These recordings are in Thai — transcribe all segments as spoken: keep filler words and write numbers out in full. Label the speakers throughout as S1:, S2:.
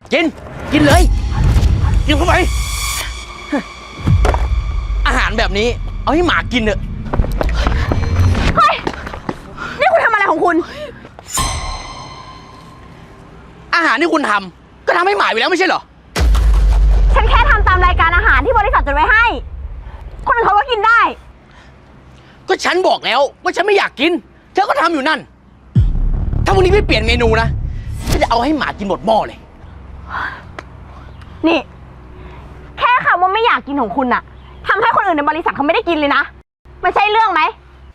S1: กินกินเลยกินเข้าไปอาหารแบบนี้เอาให้หมากินเถอะ
S2: เฮ้ยนี่คุณทำอะไรของคุณ
S1: อาหารที่คุณทำก็ทำให้หมาอยู่แล้วไม่ใช่เหรอ
S2: ฉันแค่ทำตามรายการอาหารที่บริษัทจัดไว้ให้คนอื่นเขาก็กินได้
S1: ก็ฉันบอกแล้วว่าฉันไม่อยากกินเธอก็ทำอยู่นั่นถ้าวันนี้ไม่เปลี่ยนเมนูนะฉันจะเอาให้หมากินหมดหม้อเลย
S2: นี่แค่คำว่าไม่อยากกินของคุณอะทำให้คนอื่นในบริษัทเขาไม่ได้กินเลยนะมันใช่เรื่องไหม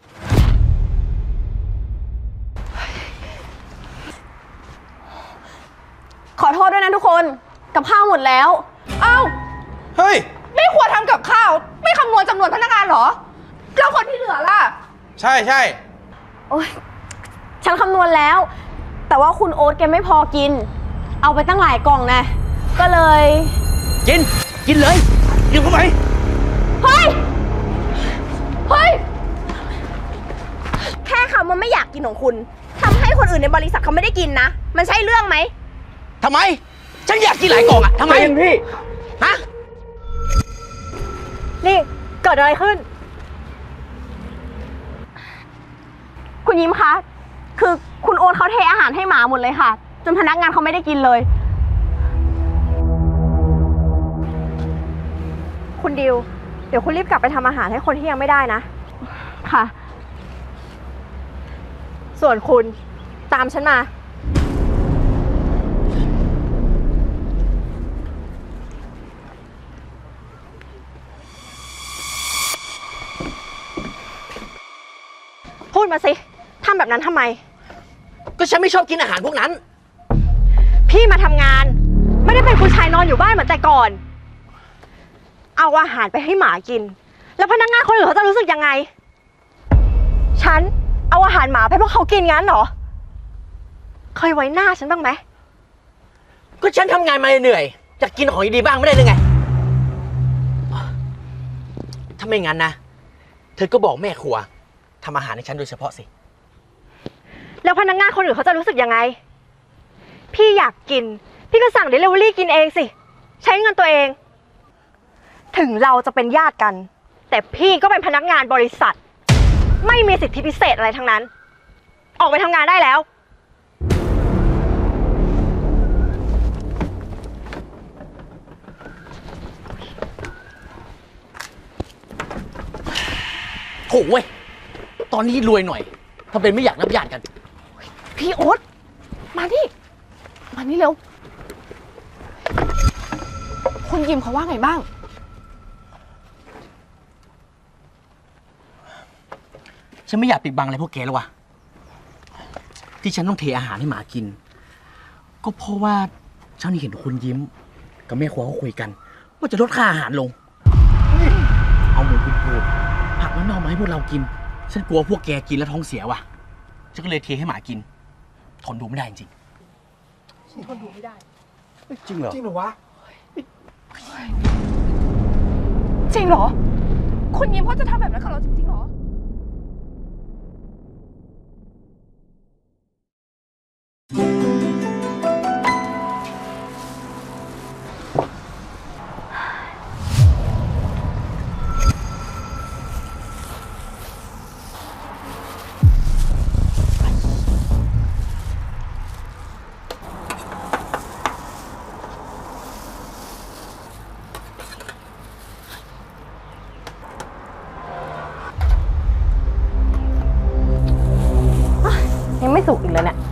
S2: ขอโทษด้วยนะทุกคนกับข้าวหมดแล้ว
S3: เอ้า
S1: เฮ้ย
S3: ไม่ควรทำกับข้าวไม่คำนวณจำนวนพนักงานเหรอแล้วคนที่เหลือล่ะ
S1: ใช่ใช่
S2: โอ๊ยฉันคำนวณแล้วแต่ว่าคุณโอ๊ตแกไม่พอกินเอาไปตั้งหลายกล่องนะก็เลย
S1: กินกินเลยกินเข้าไป
S2: เฮ้ยเฮ้ยแค่คำว่าไม่อยากกินของคุณทำให้คนอื่นในบริษัทเขาไม่ได้กินนะมันใช่เรื่องไหม
S1: ทำไมฉันอยากกินหลายกล่องอะทำไมพี่ฮะ
S2: นี่เกิดอะไรขึ้นคุณยิ้มคะคือคุณโอ๊ตเขาเทอาหารให้หมาหมดเลยค่ะจนพนักงานเขาไม่ได้กินเลยคุณดิวเดี๋ยวคุณรีบกลับไปทำอาหารให้คนที่ยังไม่ได้นะค่ะส่วนคุณตามฉันมาพูดมาสิทำแบบนั้นทำไม
S1: ก็ฉันไม่ชอบกินอาหารพวกนั้น
S2: พี่มาทำงานไม่ได้เป็นผู้ชายนอนอยู่บ้านเหมือนแต่ก่อนเอาอาหารไปให้หมากินแล้วพนักงานคนอื่นเขาจะรู้สึกยังไงฉันเอาอาหารหมาไปพวกเขากินงั้นเหรอเคยไว้หน้าฉันบ้างไหม
S1: ก็ฉันทำงานมาเหนื่อยจะกินของดีๆบ้างไม่ได้หรือไงถ้าไม่งั้นนะเธอก็บอกแม่ครัวทำอาหารให้ฉันโดยเฉพาะสิ
S2: แล้วพนักงานคนอื่นเขาจะรู้สึกยังไงพี่อยากกินพี่ก็สั่งเดลิเวอรี่กินเองสิใช้เงินตัวเองถึงเราจะเป็นญาติกันแต่พี่ก็เป็นพนักงานบริษัทไม่มีสิทธิพิเศษอะไรทั้งนั้นออกไปทำงานได้แล้ว
S1: โถ่เว้ยตอนนี้รวยหน่อยทำเป็นไม่อยากนับญาติกัน
S3: พี่โอ๊ตมาดิมานี่เร็วคุณยิมเขาว่าไงบ้าง
S1: ฉันไม่อยากปิดบังอะไรพวกแกแล้ววะที่ฉันต้องเทอาหารให้หมากินก็เพราะว่าฉันเห็นคุณยิ้มกับแม่ครัวเขาคุยกันว่าจะลดค่าอาหารลงเอาหมูคุณพูดผักน้ำเน่ามาให้พวกเรากินฉันกลัวพวกแกกินแล้วท้องเสียว่ะฉันก็เลยเทให้หมากินทนดูไม่ได้จริง
S3: ทนดูไม่ได้
S1: จริงเหรอ
S3: จริงเหรอวะจริงเหรอคุณยิ้มเขาจะทำแบบนั้นกับเราจริงๆเหรอ
S2: ยังไม่สุกอีกแล้วเนี่ย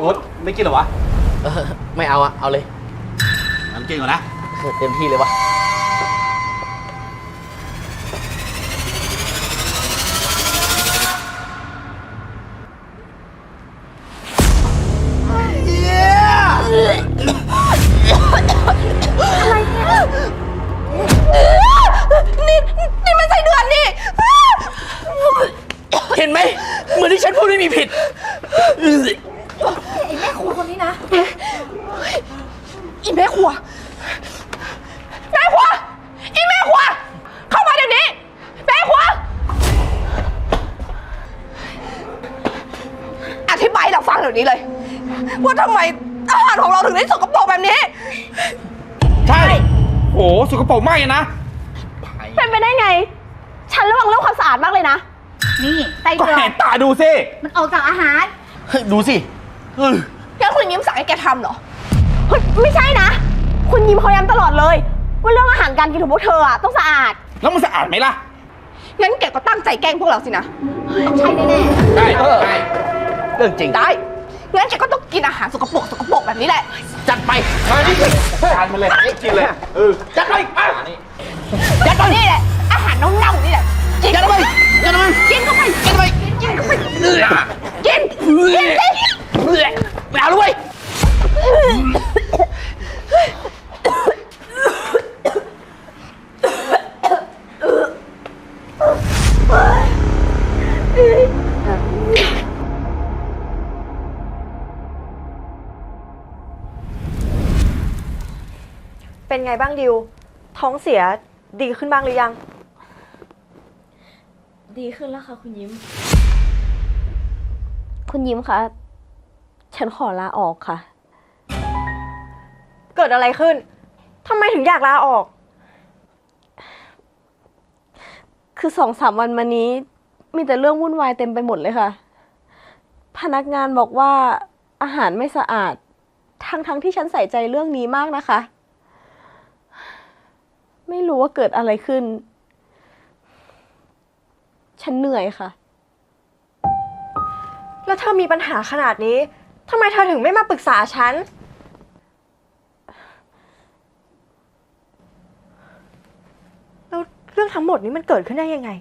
S4: โอ๊ตไม่กินเหรอวะ
S1: เออไม่เอาอะเอาเลย
S4: งั้นกินก่อนนะ
S1: เออเต็มที่เลยวะ
S3: นี่นี่มันใส่เดือนนี่
S1: เห็นไหมเหมือนที่ฉันพูดไม่มีผิด
S3: ไอ้แม่ครัวคนนี้นะอีแม่ครัวแม่ครัวอีแม่ครัวเข้ามาเดี๋ยวนี้แม่ครัวอธิบายให้เราฟังเดี๋ยวนี้เลย ว่าทำไมอาหารของเราถึงได้สกปรกแบบนี้
S4: ใช่ โหสกปรกมากเลยนะ
S2: เป็นไปได้ไง ฉันระวังเรื่องความสะอาดมากเลยนะ
S5: นี่ไส้
S4: ก็
S5: เดือ
S4: เห็
S5: น
S4: นตาดูสิ
S5: มันออกจากอาหาร
S1: เฮ้ยดูสิเออ
S3: งั้นคุณยิ้มสั่งให้แกทำเหรอ
S2: เฮ้ยไม่ใช่นะ คุณยิ้มเขาย้ำตลอดเลย ว่าเรื่องอาหารการกินของพวกเธออะต้องสะอาด
S4: แล้วมันสะอาดไหมล่ะ
S3: งั้นแกก็ตั้งใจแกล้งพวกเราสินะ
S5: ต้องใช่แน่
S4: ใช่
S1: เออ
S4: ใช่
S1: เรื่องจริง
S3: ได้ งั้นแกก็ต้องกินอาหารสกปรกสกปรกแบบนี้แหละ
S1: จัดไป
S4: มานี่ทานมาเลยกินเลย เออ
S1: จัดไป
S4: อ่ะ
S3: ยัดไปนี่แหละ อาหารเน่าๆนี่แหละกิน
S1: จัดไปจัดไป
S3: กินเข้าไปกินเข้าไปกินเข้าไปกินกินสิ
S1: ไม่เอาด้วย
S2: เป็นไงบ้างดิว ท้องเสียดีขึ้นบ้างหรือยัง
S6: ดีขึ้นแล้วค่ะคุณยิ้ม คุณยิ้มคะ ฉันขอลาออกค่ะ
S2: เกิดอะไรขึ้น ทำไมถึงอยากลาออก
S6: คือสองสามวันมานี้ มีแต่เรื่องวุ่นวายเต็มไปหมดเลยค่ะ พนักงานบอกว่าอาหารไม่สะอาด ทั้งทั้งที่ฉันใส่ใจเรื่องนี้มากนะคะ ไม่รู้ว่าเกิดอะไรขึ้น ฉันเหนื่อยค่ะ
S2: แล้วเธอมีปัญหาขนาดนี้ ทำไมเธอถึงไม่มาปรึกษาฉัน แล้วเรื่องทั้งหมดนี้มันเกิดขึ้นได้ยังไง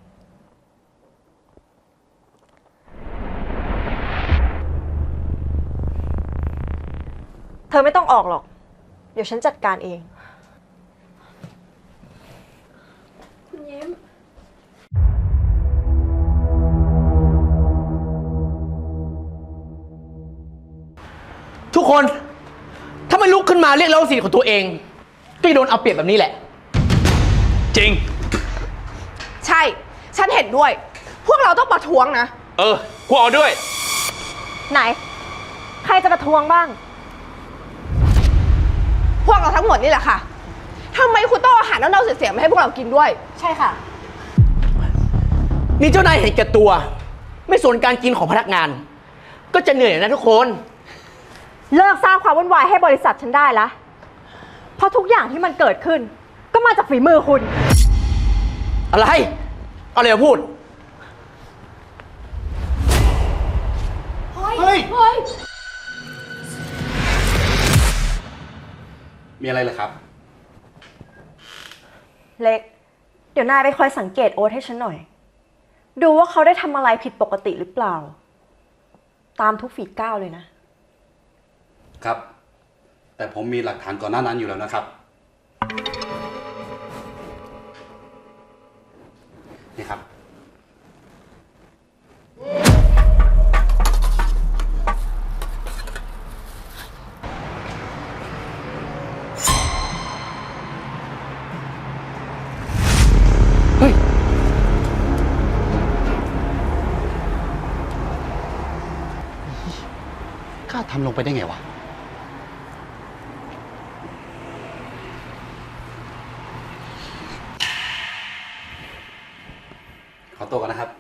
S2: เธอไม่ต้องออกหรอก เดี๋ยวฉันจัดการเอง
S6: คุณยิ้ม
S1: ทุกคน ถ้าไม่ลุกขึ้นมาเรียกร้องสิทธิ์ของตัวเอง ก็จะโดนเอาเปรียบแบบนี้แหละ
S4: จริง
S3: ใช่ ฉันเห็นด้วย พวกเราต้องประท้วงนะ
S4: เออกูเอาด้วย
S2: ไหน ใครจะประท้วงบ้าง
S3: พวกเราทั้งหมดนี่แหละค่ะทำไมคุณต้องเอาอาหารเน่าๆเสียๆมาให้พวกเรากินด้วย
S5: ๆ ใช่ค่ะ
S1: นี่เจ้านายเห็นแก่ตัว ไม่สนการกินของพนักงาน ก็จะเหนื่อยนะทุกคน
S2: เลิกสร้างความวุ่นวายให้บริษัทฉันได้ละเพราะทุกอย่างที่มันเกิดขึ้น ก็มาจากฝีมือคุณ
S1: อะไร เอาอะไรมาพูด
S4: เฮ้ย มีอะไรเหรอครับ
S2: เล็ก เดี๋ยวนายไปคอยสังเกตโอ๊ตให้ฉันหน่อย ดูว่าเขาได้ทำอะไรผิดปกติหรือเปล่า ตามทุกฝีก้าวเลยนะ
S7: ครับ แต่ผมมีหลักฐานก่อนหน้านั้นอยู่แล้วนะครับ นี่ครับ
S1: เฮ้ย
S7: กล้าทำลงไปได้ไงวะ ขอตัวกันนะครับ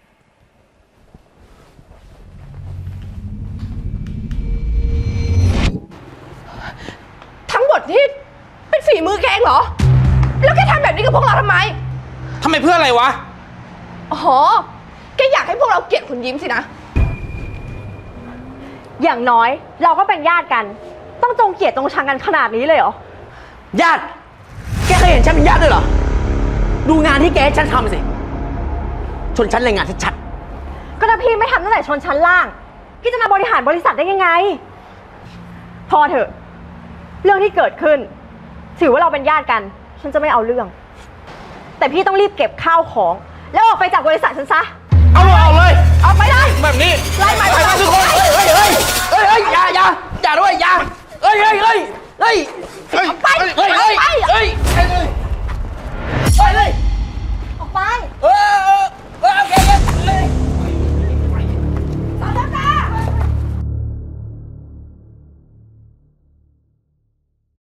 S3: ทั้งหมดนี่เป็นฝีมือแกเองเหรอ แล้วแกทำแบบนี้กับพวกเราทำไม
S4: ทำไมเพื่ออะไรวะ
S3: อ๋อ แกอยากให้พวกเราเกลียดคุณยิ้มสินะ
S2: อย่างน้อยเราก็เป็นญาติกัน ต้องจงเกลียดจงชังกันขนาดนี้เลยเหรอ
S1: ญาติ แกเคยเห็นฉันเป็นญาติด้วยเหรอ ดูงานที่แกให้ฉันทำสิ ชนชั้นแรงงานชัด
S2: ก็ถ้าพี่ไม่ทำตั้งแต่ชนชั้นล่าง พี่จะมาบริหารบริษัทได้ยังไง พอเถอะ เรื่องที่เกิดขึ้น ถือว่าเราเป็นญาติกัน ฉันจะไม่เอาเรื่อง แต่พี่ต้องรีบเก็บข้าวของ แล้วออกไปจากบริษัทฉันซะ
S4: เอาเลยเอาเลย
S2: ออกไปเลย
S4: แบบนี้
S2: ไล่มัน
S4: ไป
S2: ไป
S4: กันทุกคน
S1: ๆ เฮ้ยเฮ้ยเฮ้ยเฮ้ยเฮ้ยอย่าอย่าอย่าด้วยอย่าเฮ้ยเฮ้ยเฮ้ยเฮ้ย
S4: เฮ้ย
S1: ไปเฮ้ยเฮ้ยเฮ้ยเฮ้ยเฮ้ยเฮ้ย